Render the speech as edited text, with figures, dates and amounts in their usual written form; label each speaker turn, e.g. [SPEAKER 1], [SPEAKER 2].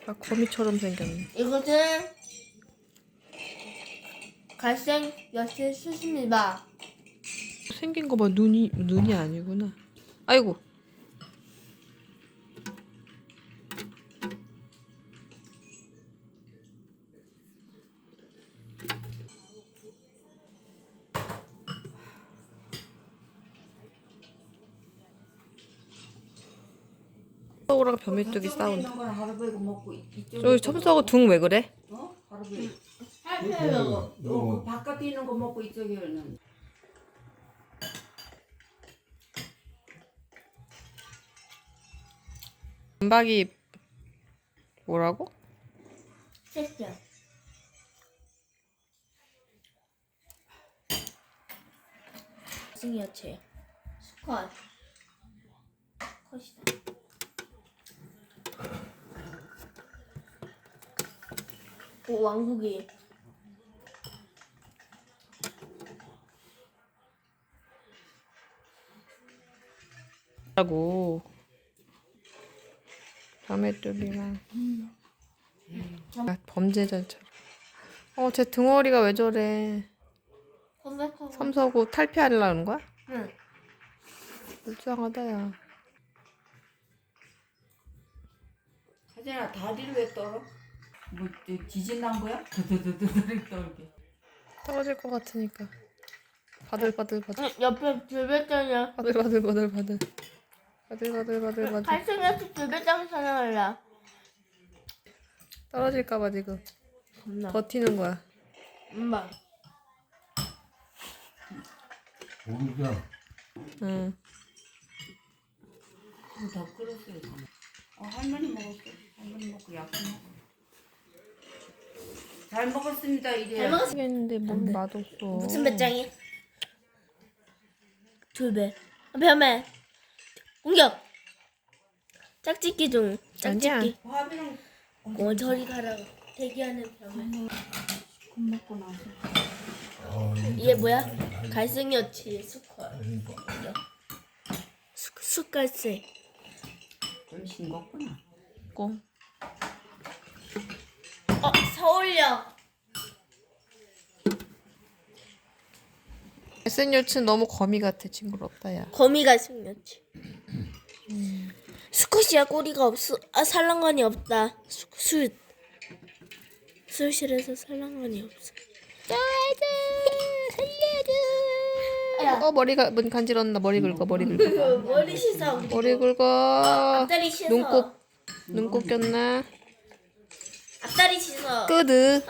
[SPEAKER 1] 아, 거미처럼 생겼네.
[SPEAKER 2] 이것은 갈색 여치 수십니다.
[SPEAKER 1] 생긴 거 봐. 눈이 아니구나. 아이고. 첨석이랑 벼메뚜기 싸운다. 저기 첨석이 등 왜 그래?
[SPEAKER 3] 그 바깥에 있는 거 먹고 이쪽에는
[SPEAKER 1] 은박이 뭐라고?
[SPEAKER 2] 섹시야. 갈색 여치 수컷. 컷이다. 오, 왕국이.
[SPEAKER 1] 라고. 벼메뚜기랑. 아, 범죄자처럼. 쟤 등어리가 왜 저래?
[SPEAKER 2] 컴백하고.
[SPEAKER 1] 삼서구 탈피하려는 거야?
[SPEAKER 2] 응.
[SPEAKER 1] 불쌍하다, 야.
[SPEAKER 3] 하진아 다리를 왜 떨어? 뭐 지진 난 거야? 드드드드드 떨게.
[SPEAKER 1] 떨어질 것 같으니까. 바들바들바들.
[SPEAKER 2] 응, 옆에 줄배짱이야.
[SPEAKER 1] 바들바들바들바들. 바들바들바들바들.
[SPEAKER 2] 갈색 여치 줄배짱 사냥할래.
[SPEAKER 1] 떨어질까봐 지금
[SPEAKER 2] 겁나.
[SPEAKER 1] 버티는 거야.
[SPEAKER 2] 엄마.
[SPEAKER 4] 모르죠.
[SPEAKER 1] 응.
[SPEAKER 3] 더 끓였어요. 할머니 먹었어. 할머니 먹고 약속 먹어. 잘 먹었습니다 이래.
[SPEAKER 2] 잘 먹었어.
[SPEAKER 1] 모르겠는데 뭘 맛없어.
[SPEAKER 2] 무슨 배짱이? 줄배. 벼메. 공격. 짝짓기 중. 짝짓기.
[SPEAKER 3] 화비랑
[SPEAKER 2] 저리 가라고. 대기하는 벼메.
[SPEAKER 3] 금 먹고 나서.
[SPEAKER 2] 이게 뭐야? 갈색 여치 수컷. 숯갈색.
[SPEAKER 3] 좀 싱겁구나.
[SPEAKER 1] 꽁.
[SPEAKER 2] 서울역.
[SPEAKER 1] 갈색 여치는 너무 거미 같아. 징그럽다, 야.
[SPEAKER 2] 거미가 생겼지. 수컷이야. 꼬리가 없어. 살랑간이 없다. 수실에서 살랑간이 없어. 살려줘.
[SPEAKER 1] 머리가 간지럽나. 머리 긁어.
[SPEAKER 2] 머리 씻어.
[SPEAKER 1] 머리 긁어.
[SPEAKER 2] 앞다리 씻어.
[SPEAKER 1] 눈곱 꼈나?
[SPEAKER 2] 앞다리 씻어.
[SPEAKER 1] 끄드.